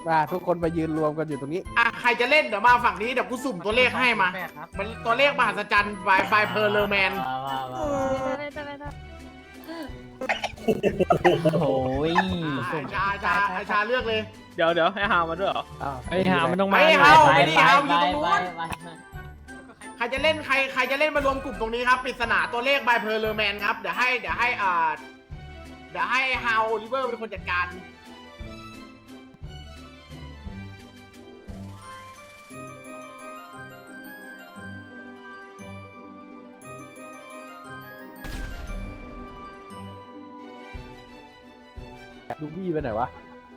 มาทุกคนมายืนรวมกันอยู่ตรงนี้ใครจะเล่นเดี๋ยวมาฝั่งนี้เดี๋ยวกูสุ่มตัวเลขให้มามันตัวเลขมหัศจรรย์บายเพอร์เลอร์แมนโอ้ยชาเลือกเลยเดี๋ยวให้ฮามาด้วยเหรอไอ้ฮามันต้องมาไม่เฮาไม่ได้เฮาอยู่ตรงนู้นใครจะเล่นใครจะเล่นมารวมกลุ่มตรงนี้ครับปริศนาตัวเลขบายเพอร์เลอร์แมนครับเดี๋ยวให้ฮาวลิเวอร์เป็นคนจัดการลูบี้ไปไหนวะ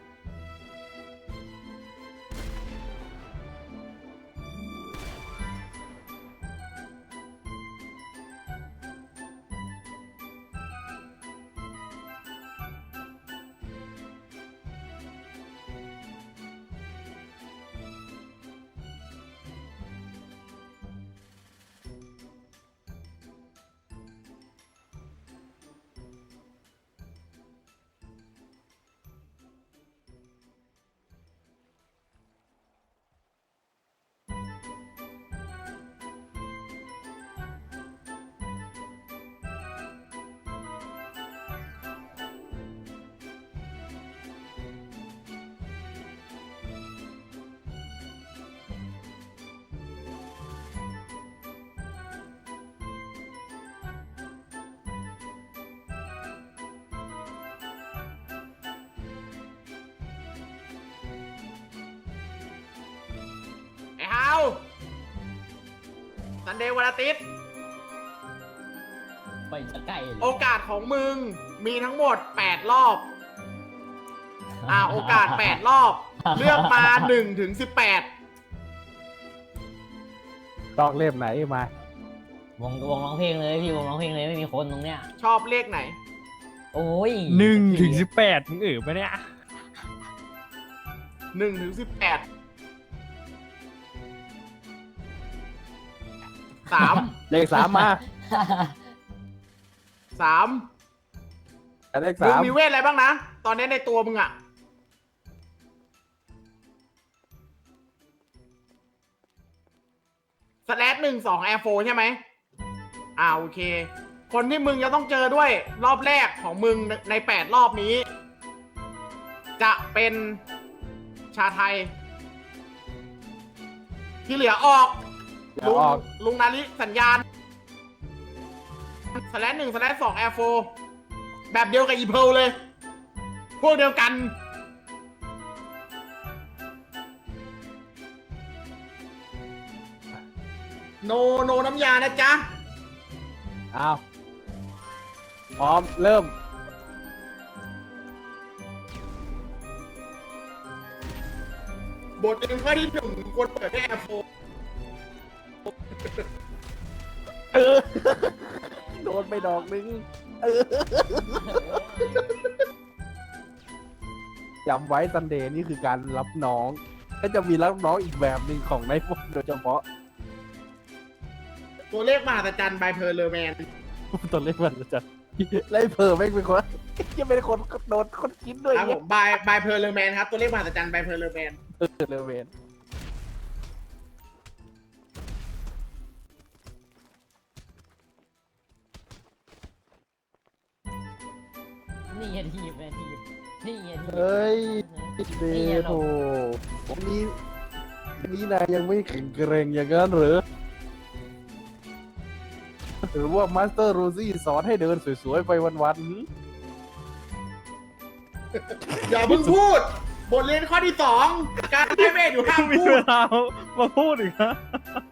ซันเดย์วันอาทิตย์ไปจะใกล้โอกาสของมึงมีทั้งหมด8รอบโอกาส8รอบเลือกมา1 ถึง 18 ต้องเล่มไหนมาวงร้องเพลงเลยพี่วงร้องเพลงเลยไม่มีคนตรงเนี้ยชอบเลขไหนโอ้ย 1 ถึง 18มึงปะเนี่ย 1 ถึง 18 3 เลข3มา 3 เลขมึง 3 มีเวทอะไรบ้างนะตอนนี้ในตัวมึงอะ/1 2 Air 4ใช่ไหมโอเคคนที่มึงจะต้องเจอด้วยรอบแรกของมึงใน8รอบนี้จะเป็นชาไทยที่เหลือออกลุงนาริสัญญาณ/1 /2 Air 4แบบเดียวกับอีเพิลเลยพวกเดียวกันโนน้ำยานะจ๊ะพร้อมเริ่มบทเรียนข้อที่1ควรเปิดด้วย Air 4 โดนไปดอกนึงจำไว้ซันเดย์นี่คือการรับน้องก็จะมีรับน้องอีกแบบหนึ่งของในพวกโดยเฉพาะตัวเลขมหัศจรรย์บายเพอร์เลอร์แมนตัวเลขมันจะไล่เพอไม่เป็นคนจะเป็นคนโดนคนคิดด้วยครับผมบายเพอร์เลอร์แมนครับตัวเลขมหัศจรรย์บายเพอร์เลอร์แมนนี่ทีบนี่เฮ้ยเดโถนี่นายยังไม่แข็งแกร่งอย่างนั้นหรือหรือว่ามาสเตอร์โรซี่สอนให้เดินสวยๆไปวันๆอย่าเพิ่งพูดบทเรียนข้อที่2การให้เวทอยู่ห้ามพูดมาพูดอีกนะ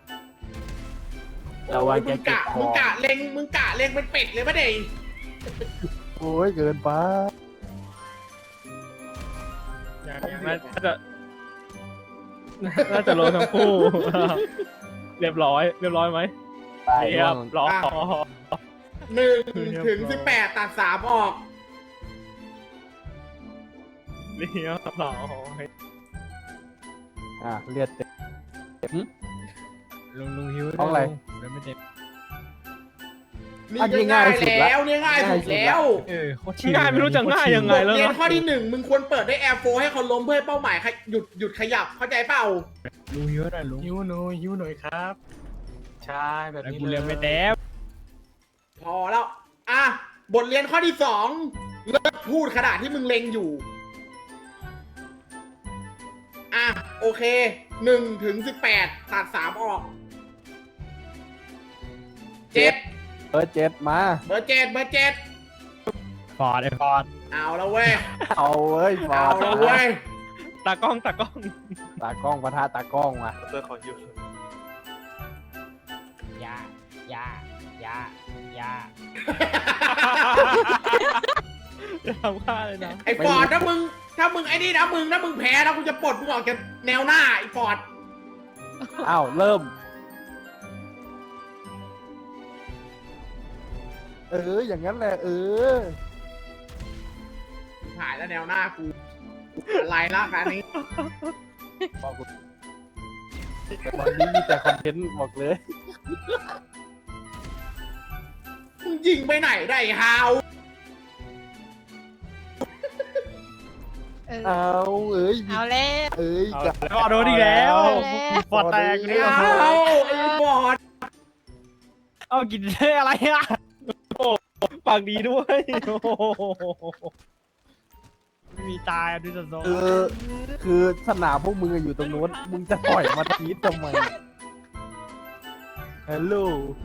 มึงกะเล็งเป็นเป็ดเลยปะเด็กโอ้ยเกินไปน่าจะโลทั้งคู่เรียบร้อยไหมเรียบร้อย 1 ถึง 18ตัด3ออกเรียบร้อยเลือดเต็มลุงหิวอะไรไม่เต็มนี่ก็ง่ายแล้วเนี่ยง่ายสุดแล้วโคตรง่ายไม่รู้จะง่ายยังไงแล้วเรียนนะข้อที่ 1มึงควรเปิดด้วย Air 4ให้เขาล้มเพื่อให้เป้าหมายหยุดขยับเข้าใจเปล่ารู้เยอะหน่อยลุงหิวหน่อยครับ ใช่แบบแล้วนี้กูเลเรียยนไม่แต้พอแล้วอ่ะบทเรียนข้อที่ 2เลิกพูดขนาดที่มึงเล็งอยู่อ่ะโอเค1 ถึง 18ตัด3ออก7 เบอร์เจ็ดมาเบอร์7 ฟอร์ดฟอร์ดเอาแล้วเว้ยเอาเว้ยบอเอาลแล้วเว้ยตากล้องตากล้องปะทะตากล้องมาเพื่อขอหิวยา ยา ยา ยาจะทำค่าเลยนะไอ้ฟอร์ดถ้ามึงไอ้นี่นะถ้ามึงแพ้นะกูจะปลดมึงออกจากแนวหน้าไอ้ฟอร์ดอ้าวเริ่มอย่างนั้นแหละหายแล้วแนวหน้ากูอะไรละการนี้บอกกูแต่วันนี้มีแต่คอนเทนต์บอกเลยมึงยิงไปไหนได้ฮาวเอามีเอาแล้วกับแล้วโดนอีกแล้วฟอร์ดแตกไอ้ฮาวไอ้บอดเอากินได้อะไรอ่ะโอ้ปากดีด้วยโอ้ไม่มีตายดูสดคือสนามพวกมึงอะอยู่ตรงนู้นมึงจะปล่อยมาทีทำไมฮัลโหล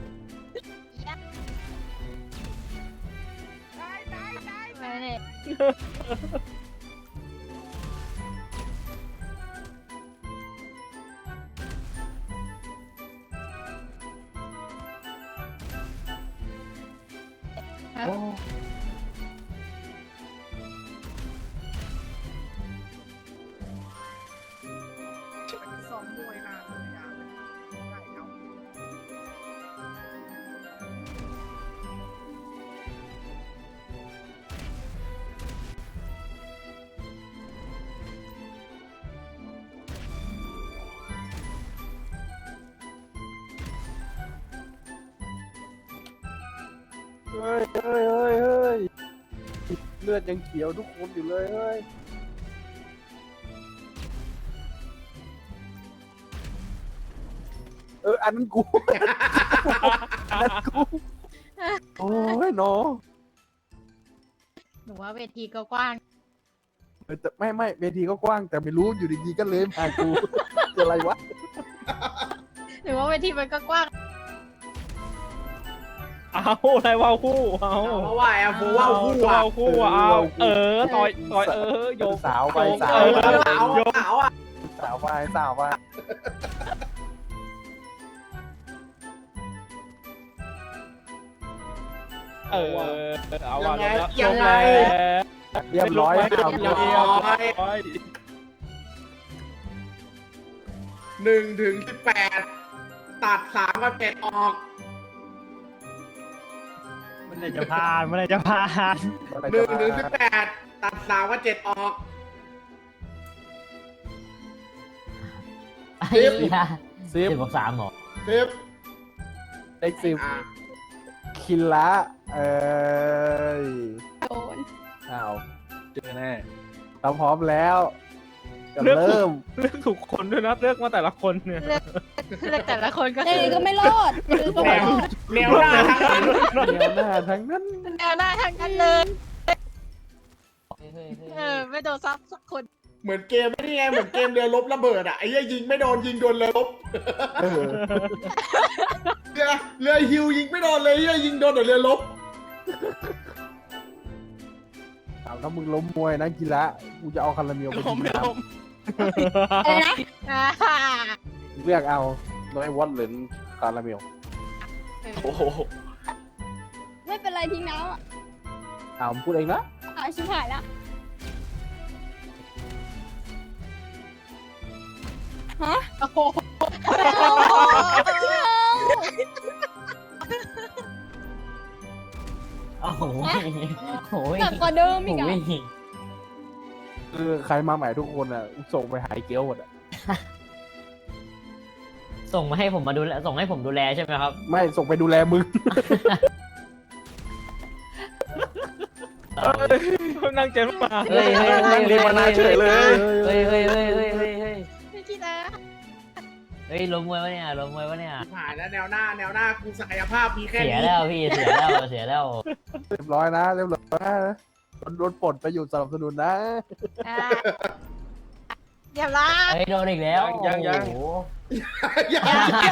ไปเนี่ยโอ้สองมวยนานเลยอ่ะเฮ้ยเลือดยังเขียวทุกคนอยู่เลยเฮ้ยอันนั้นกู อันนั้นกูโอ้ยเนาะหนูว่าเวทีก็กว้างแต่ไม่เวทีก็กว้างแต่ไม่รู้อยู่ดีๆก็เลยมากู คืออะไรวะหนูว่าเวทีมันก็กว้างเอาอะไรวาวคู่เอาเพราะว่าแอร์โฟว่าวคู่อ่ะวาวคู่เอาต่อยโยกสาวไปโยกสาวสาวสาวอ่ะสาวไปเอาว่ะยังไงเรียบร้อยเรียบร้อย 1 ถึง 18ตัด3 กับ 7ออกมันเลยจะผ่านมันเลยจะผ่าน 1 ถึง 18ตัด3 กับ 7ออกไอ้ยา 10 10 บวก 3หรอ 10 เลข10 อ่ะคินละยโดนอ้าวเจอแน่เราพร้อมแล้วจะเริ่มเลือกถูกคนด้วยนะเลือกมาแต่ละคนเนี่ยเลือกแต่ละคนก็เอ้ยก็ไม่รอดก็ไม่รอดแนวหน้าทั้งนั้นแนวหน้าทั้งนั้นแนวหน้าทางกันเลย ไม่โดนซับสักคนเหมือนเกมไม่ได้ไงเหมือนเกมเรือรบระเบิดอ่ะไอ้เหี้ยยิงไม่โดนยิงโดนเรือรบเออเรือฮิวยิงไม่โดนเลยเหี้ยยิงโดนแต่เรือรบเอาถ้ามึงล้มมวยนะกีฬากูจะเอาคาราเมลไปกินน้อะไรนะำเลือกเอาน้อยวอตหรือคาราเมลโอ้โหไม่เป็นไรทิ้งน้ำอ่ะเอาพูดเองนะเอาชิบหายแล้วฮะโอ้โหโอ้โหโอ้ยหนักกว่าเดิมอีกโอ้อ่ะยคือใครมาใหม่ทุกคนอ่ะส่งไปหายเกลียวหมดอ่ะส่งมาให้ผมมาดูแลส่งให้ผมดูแลใช่ไหมครับไม่ส่งไปดูแลมึงนั่งเจนมาเฮ้ยเฮ้ยนั่งเรียนมานาเฉยเลยเฮ้ยเฮ้ยเฮ้ยเฮ้ยเฮ้ยเฮ้ยไม่คิดนะเฮ้ยล้มมวยวะเนี่ยล้มมวยวะเนี่ยผ่านแล้วแนวหน้ากูศักยภาพมีแค่เสียนี้แล้วพี่เสียแล้วเสียแล้วเรียบร้อยนะเรียบร้อยนะโดนปลดไปอยู่สนับสนุนนะอ่ะเดี๋ยวละเฮ้ยโดนอีกแล้วยังโอ้โหยัง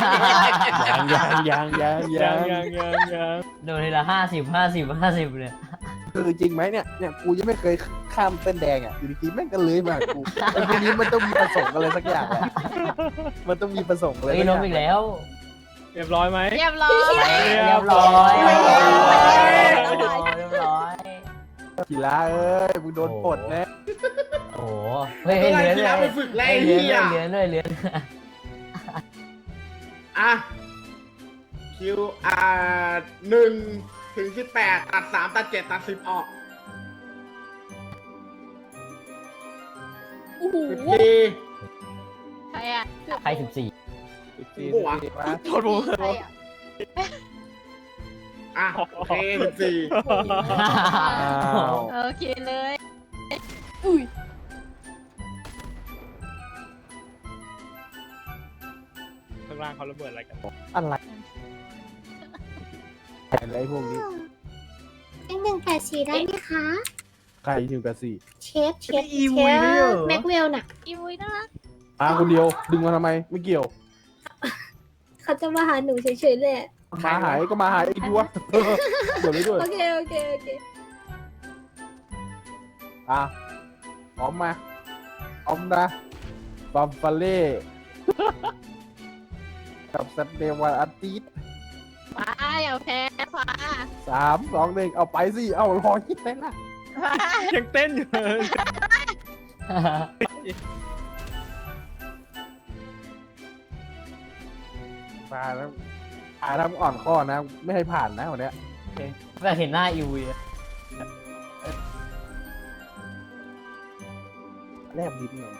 โดนทีละ50เนี่ยคือจริงไหมเนี่ยกูยังไม่เคยข้ามเส้นแดงอ่ะอยู่ดีๆแม่งก็เลยมากูไอ้พวกนี้มันต้องมีประสงค์อะไรสักอย่างแหละมันต้องมีประสงค์อะไรเฮ้ยสักอล้มย่างอีกแล้วเรียบร้อยไหมเรียบร้อยเรียบร้อยเรียบร้อยกีฬาเอ้ยมึงโดนปลดแน่โอ้โหเฮ้ยเมื่อไหร่เหลือที่เลแล้วไปยฝึกไล่เหลืเฮีอย เหลือเลยเหลืออ่ะ QR 1 ถึง 18 ตัด 3 ตัด 7 ตัด 10 ออกโอ้โห 14 ใครอ่ะใคร14 หัวโทษผมใครอ่ะอ่ะโอเค14 อ้าวโอเคเลยอุ้ยข้างล่างเขาระเบิดอะไรกันอะไรอะไรพวกนี้ 184ได้ไหมคะใครหนึ่งกับสี่เชฟแม็กเวลน่ะอีวุ้ยน่ารักมาคนเดียวดึงมาทำไมไม่เกี่ยวเขาจะมาหาหนูเฉยๆเลยอะมาหายก็มาหายไอ้ดัวเดี๋ยวเลยด้วยโอเคอ่ะพร้อมมาพร้อมนะบัมฟาเล่กับสเตย์วันอาทิตย์ฟ้าอย่าแพ้ฟ้า 3 2 1เอาไปสิเอารอคิดได้ละฟ้ายังเต้นอยู่เลยมาแล้วทำอ่อนข้อนะ ไม่ให้ผ่านนะวันเนี้ยแบบเห็นหน้าอิวเลยแลบลิ้นหน่อย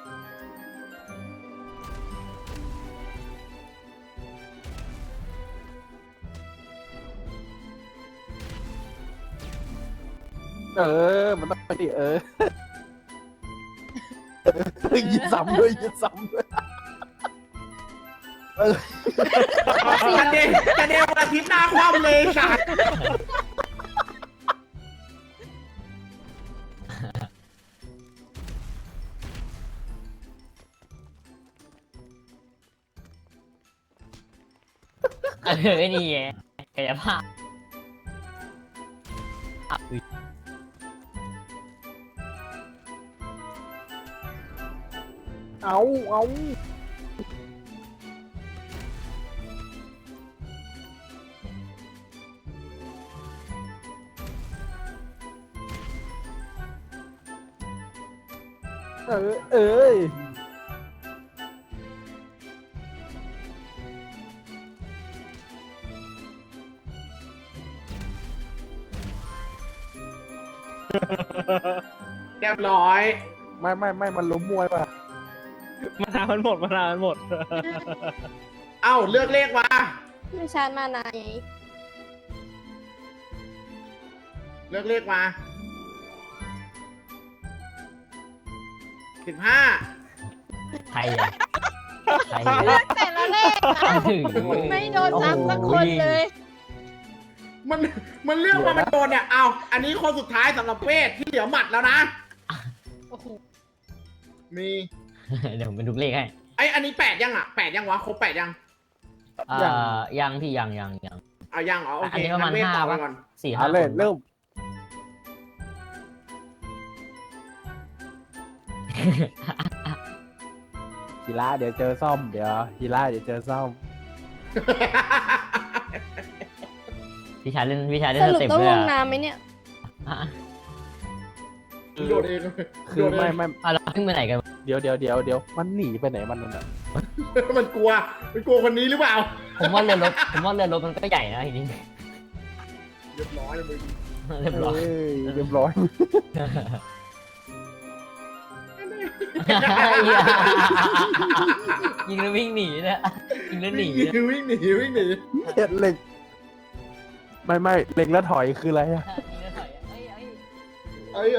มันต้องไปดิยิงซ้ำด้วยยิงซ้ำด้วยจะเดววันอาทิตย์หน้าคว่ำเลยสัตว์ไอ้นี่ไงกายภาพเอาเอ้ยเรียบร้อยไม่มันล้มมวยป่ะมานาวมันหมดเอ้าเลือกเลขมาไม่ชาร์จมานานไงเลือกเลขมา 15 ใครอ่ะใครเลือกแต่ละเลขอะถึงไม่โดนซ้ำสักคนเลยมันเลือกมาเป็นโดนเนี่ย เอาอันนี้คนสุดท้ายสำหรับเวทที่เหลือหมัดแล้วนะโอ้โหมีเดี๋ยวผมเป็นทุกเลขให้อันนี้8ยังอ่ะ8ยังวะครบ8ยังยังที่ยังยังอ๋อโออัเคนนี้ประมาณงั้นเวทต่อ 5 ไปป่ะก่อน 4-5 เอาเลยคนเริ่มฮีระเดี๋ยวเจอซ่อมเดี๋ยวฮีระเดี๋ยวเจอซ่อมพี่ชายเล่นสรุปสเต็ปต้องด้วยลงอ่ะน้ำไหมเนี่ยโดดเองคือไม่เราเพิ่งไปไหนกันเดี๋ยวมันหนีไปไหนมันนั่นน่ะมันกลัวคนนี้หรือเปล่าผมว่าเรือรบมันก็ใหญ่นะทีนี้เรียบร้อยมึงเรียบร้อยเรียบร้อยยิงแล้ววิ่งหนีนะยิงแล้วหนีวิ่งหนีเห็ดเหล็กไม่เล็งแล้วถอยคืออะไรอะยิงแล้วถอยเอ้ย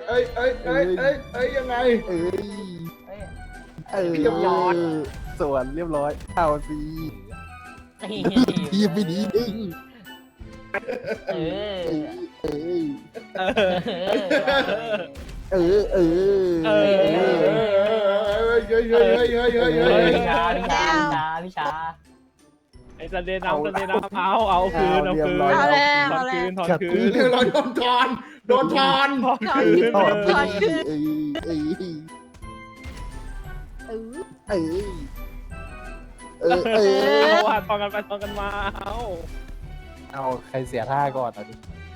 ยังไงเอ้ยเอ้ยเออเรียบร้อยส่วนเรียบร้อยเข้าสิตีทีมไม่ดีดึงเออเออเออเออเออพี่ชาพี่ชาไอ้ซันเดย์น้ำซันเดย์น้ำเอาคืนเอาคืนเอาแล้วถอนเอาแล้วคืนถอนคืเรื่องนเราโดนทอนถอนคืนถอนถอนคืนเออเออเออเออเออเอาว่าทอนกันไปทอนกันมาเอาใครเสียท่าก่อนอ่ะดิ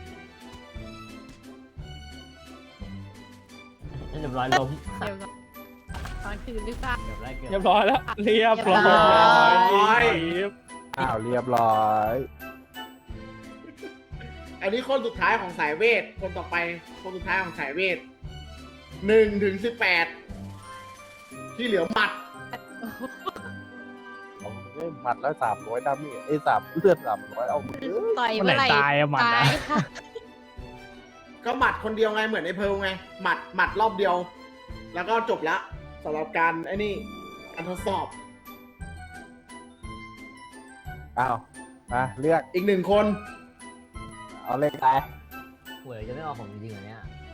เรียบร้อยลมเดี๋ยวก่อนตอนคืนหรือเปล่าเรียบร้อยเกือบเรียบร้อยแล้วเรียบร้อยอ้าวเรียบร้อยอันนี้คนสุดท้ายของสายเวท คนต่อไปคนสุดท้ายของสายเวท1 ถึง 18 ที่เหลือหมัดเอาเล่นหมัดแล้ว300ดาเมจ3 เลือด300เอามือต่อยเมื่อไหร่ตายอะหมัดตาอะยค่ะก็หมัดคนเดียวไงเหมือนไอ้เพิร์ลไงหมัดรอบเดียว แล้วก็จบละสำหรับการไอ้นี่การทดสอบอ้าวมาเลือกอีก1 คนเอาเลขไปหวยจะไม่ออกของจริงๆเหรอเนี่ย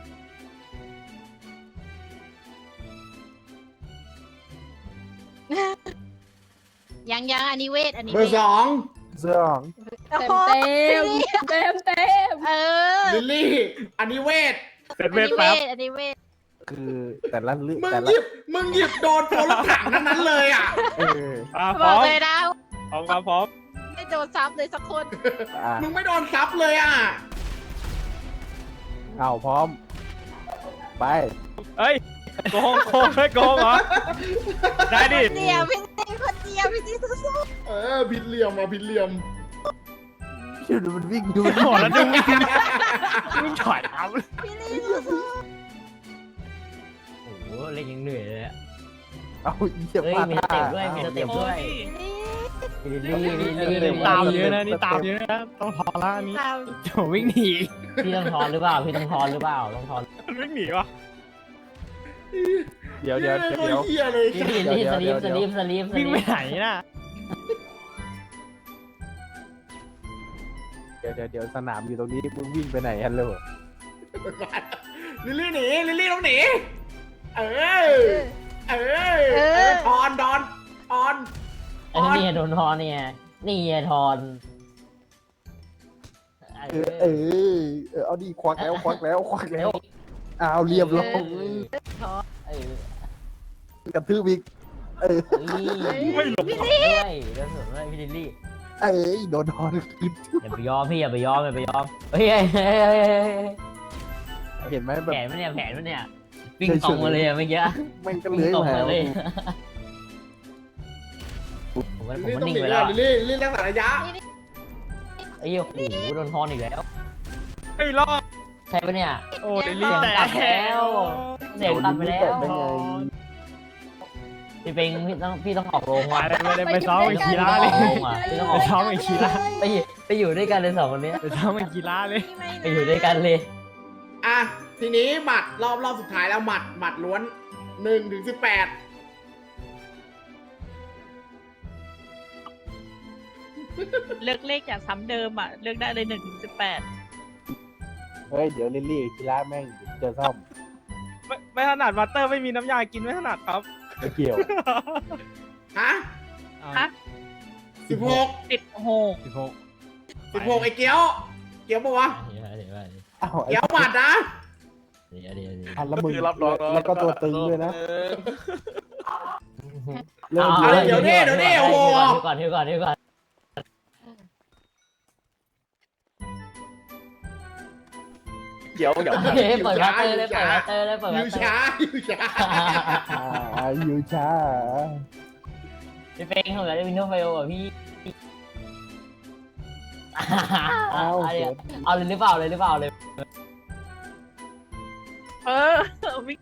ยังอันนี้เวทอันนี้เบอร์เสื้อของเต็มเต็มเออ 2 ลิลลี่ อันนี้เวทเป็นอันเวทนี้เวแป๊บทอันนี้เวทคือแต่ละเลือกมึงแต่หละยิบโดนตัวรถถังทั้งนั้นเลยอ่ะเออพบร้ออก มเลยนะพร้อมครับพร้อมไม่โดนซ้ำเลยสักคนอ่ะมึงไม่โดนซับเลยอ่ะเอาพร้อม ไปเฮ้ยโกงไม่โกงเหรอได้ดิเดียวพี่ตีคนเดียวพี่ตีสู้ผิดเหลี่ยมผิดเหลี่ยมดูมันวิ่งดูโอ้แล้วดึงมึงถอยเอาๆพี่ตีสู้โอ้โหเล่นยังเหนื่อยเลยอะเอาเยี่ยมเฮ้ยมากมีสเต็ปด้วยมีสเต็ปด้วยๆพี่ตีลิลลี่ตามเยอะนะนี่ตามเยอะนะต้องถอนละอันนี้เราโจวิ่งหนีพี่ต้องทอนหรือเปล่าพี่ต้องทอนหรือเปล่าต้องทอนวิ่งหนีวะเดี๋ยวเฮียเลยพี่ลิลลี่สลีปวิ่งไปไหนน่ะเดี๋ยวสนามอยู่ตรงนี้มึงวิ่งไปไหนฮัลโหลลิลลี่หนีลิลลี่ต้องหนีทอนไอ้นี่โดนทอนเนี่ยนี่ทอนเอาดิควักแล้วเอาเรียบร้อยเออกระทืบอีกไม่หลบด้วยโดนสวนด้วยพี่ลิลลี่โดนทอนขึ้นอย่าไปยอมพี่อย่าไปยอมเฮ้ยเห็นไหมแบบแผนมันเนี่ยวิ่งตรงมาเลยเมื่อกี้แม่งก็เลื้อยตรงมามาเลยผมลิลลี่ก็ต้องนิ่งหนีไปแล้วลิลลี่รักษาระยะไอ้โอ้โหโดนทอนอีกแล้วไม่รอดใช่ปะเนี่ยโอ้เดลี่เสียงแตตัดกแล้วเสียงตัดไปแล้วได้ไงพี่เป็งพี่ต้องออกโรงว่ะไม่ได้ไปซ้อมไอ้กีฬาเลยพี่ต้องอไปอกซ้อมไอ้กีฬาไปอยู่ด้วยกันเลยสองคนนี้ไปซ้อมไอ้กีฬาเลยไปอยู่ด้วยกันเลยอ่ะทีนี้หมัดรอบสุดท้ายแล้วหมัดล้วน1 ถึง 18 เลือกเลขจากซ้ำเดิมอ่ะ เลือกได้เลย1 ถึง 18 เฮ้ยเดี๋ยวลิลลี่กีฬาแม่งเจอซ่อมไม่ถนัดวัตเตอร์ไม่มีน้ำยากินไม่ถนัดครับไม่เกี่ยวฮะฮะ 16 16 16ไอ้เกี้ยวปะวะอ้าวไอ้เกี้ยวหมัดนะอันแล้วมึงแล้วก็ตัวตึงด้วยนะเดี๋ยวนี่โอ้โหก่อนเดี๋ยวเปิดวัตเตอร์เลยเปิดอวัยู่ตเตอช้าร์อยู่ช้าอยู่ช้าพี่เป็งเขาจะได้วินโดว์ไฟโออ่ะพี่เอาเลยหรือเปล่าเลยวิ่ง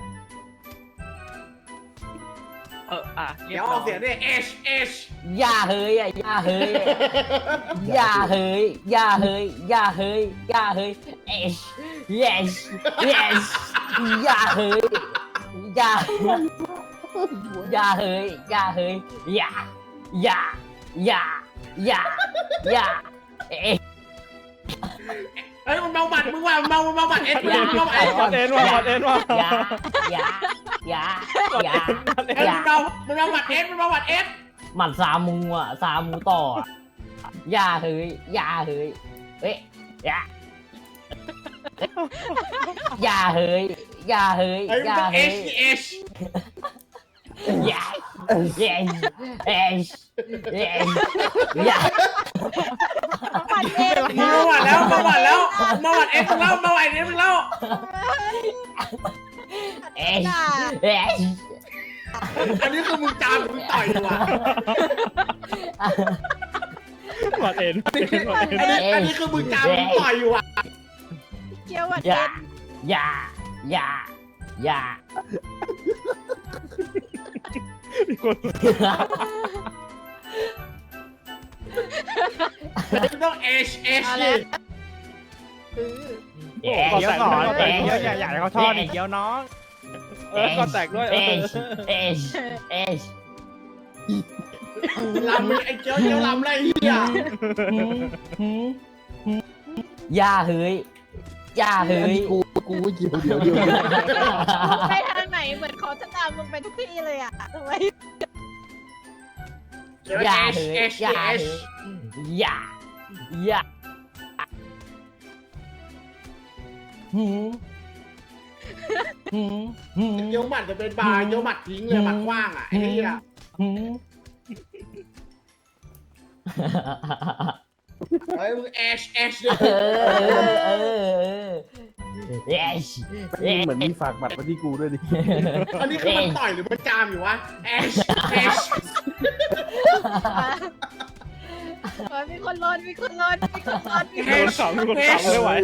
เรียเดี๋บยวอร้ออก ยเสียงด้วย H อย่าเฮ้ยเอช yes yes อย่าเฮ้ยอย่าเฮ้ยอย่าเฮ้ยอย่าเอ๊ะเฮ้ยมันเมาหมัดมึงว่ะเมาหมัดเอ็ดมึงเมาหมัดเอ็ดกดเอ็นว่ะกดเอ็นว่ะอย่าเฮ้ยมึงเมาหมัดเอ็ดมึงเมาหมัดเอ็ดหมัดซามูอ่ะซามูต่ออ่ะอย่าเฮ้ยเอ๊ะอย่าเฮ้ยเฮ้ยมึงต้องเอชอย่าอย่าปัดเองมึงเมาหมัดแล้วเมาหมัดเอ็ดมึงเล่าเมาหมัดเอ็ดมึงเล่าเอ๊ะอันนี้คือมึงจามมึงต่อยดีกว่ากดเอ็นอันนี้คือมึงจามมึงต่อยอยู่อ่ะเกี่ยวปัดอเอย่างอย่ามีคนมึงต้องเอชกดแตกก่อนเดี๋ยวอย่าให้เขาทอดอีกเดี๋ยวน้องกดแตกด้วยลำไอ้เจียวลำอะไรเหี้ยอย่าเฮ้ยอันนี้กูไม่เกี่ยวเดี๋ยวไปทางไหนเหมือนเขาจะตามมึงไปทุกที่เลยอ่ะทำไมอย่าเฮ้ยอย่าเจียวหมัดจะเป็นบาร์เจียวหมัดทิ้งเลยหมัดกว้างอ่ะไอ้เหี้ยเฮ้ยมึงเอชเลยเหมือนมีฝากบัตรมาที่กูด้วยดิอันนี้คือมันต่อยหรือมันจามอยู่วะเอชมีคนร้อนมีคนขำไม่ไหว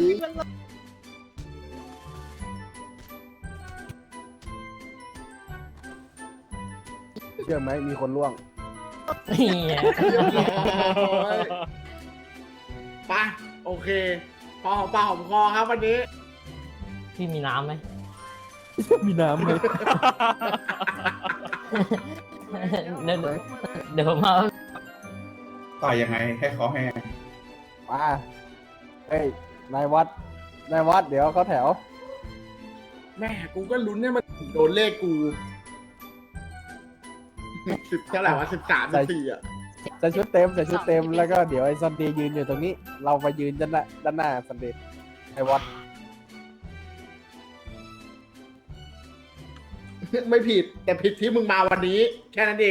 เชื่อไหมมีคนล่วงไปโอเคพอหอมปากหอมคอครับวันนี้พี่มีน้ำไหมมีน้ำไหมเดี๋ยวผมเอาต่อยยังไงให้เขาให้มาเฮ้ยนายวัดเดี๋ยวเขาแถวแม่กูก็ลุ้นให้มันโดนเลขกู10เท่าไหร่วะ13 14อ่ะใส่ชุดเต็มแล้วก็เดี๋ยวไอ้ซันเดย์ยืนอยู่ตรงนี้ เราไปยืนด้านหน้าซันเดย์ไอ้วัดไม่ผิดแต่ผิดที่มึงมาวันนี้ แค่นั้นเอง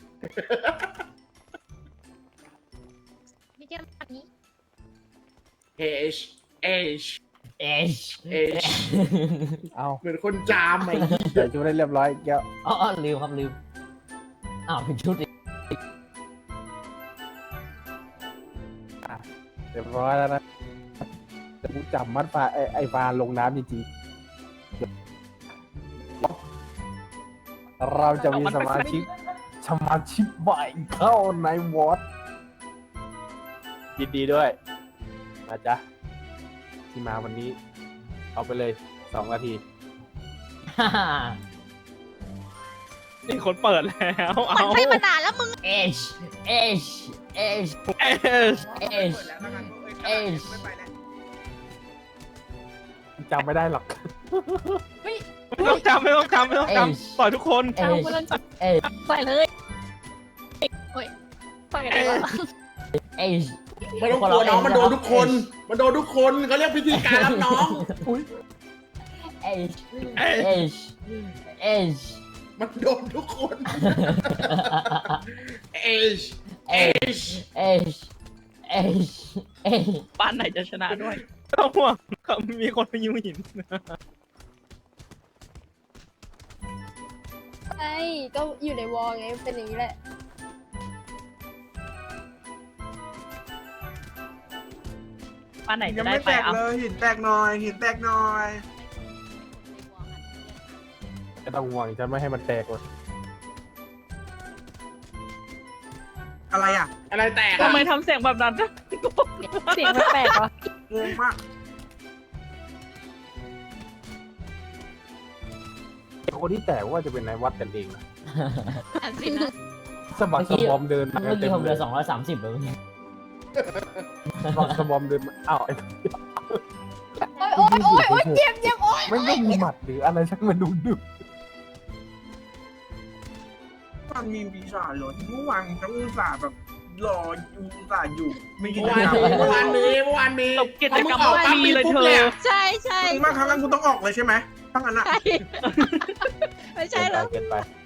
นี่เกี่ยวปัดนี้ H เอาเหมือนคนจามไอ้ใส่ชุดได้เรียบร้อยแก้วอ๋อลืมอ้าวเป็นชุดอีกเรียบร้อยแล้วนะแต่กูจับมัดฟ้าไอ้ฟ้าลงน้ำจริงๆเราจะมีสมาชิกใหม่เข้าในวอร์ดยินดีด้วยนะจ๊ะที่มาวันนี้ เอาไปเลย2 นาทีนี่คนเปิดแล้วเอามันให้มานานแล้วมึง H จำไม่ได้หรอกไม่ต้องจำต่อยทุกคนเอาเพื่อนจับใส่เลยโอ้ยใส่อะไรวะไม่ต้องกลัวน้องมันโดนทุกคนเขาเรียกพิธีการรับน้อง มันโดนทุกคน H บ้านไหนจะชนะด้วยไม่ต้องห่วงมีคนไปยิงหินใช่ก็อยู่ในวอลไงเป็นอย่างนี้แหละบ้านไหนยัจะงได้ไม่ไปแตกอ่ะเลยหินแตกหน่อยไม่ต้องห่วงจะไม่ให้มันแตกหรอกอะไรอ่ะอะไรแตกทำอะไมทำเสียงแบบนั้นเสียงแปลกๆวะงงมากคนที่แตกว่าจะเป็นนายวัดกันเองนะอันสินะสะบักสะบอมเดินมาเมื่อกี้ผมเหเลลืยอ230เลยสะบักสะบอมเดินมาอ้าวไอ้โอ๊ยโอ๊ยโอ๊ยเจ็บเจ็บโอ๊ยไม่ต้องมีหมัดหรืออะไรสักมาดูดึกมันมีปีศาจเหรอที่เมื่อวานก็อุตส่าห์แบบรออยู่อุตส่าห์อยู่ไม่กินเมื่อวานมีเมื่อวานมีจบกิจกรรมพอมึงออกปั๊บฟรีเลยปุ๊บเธอยใช่ใช่ถึงมากครั้งนั้นกูต้องออกเลยใช่ไหมทั้งนั้นอะใช่ไม่ใช่แล้วเกินไป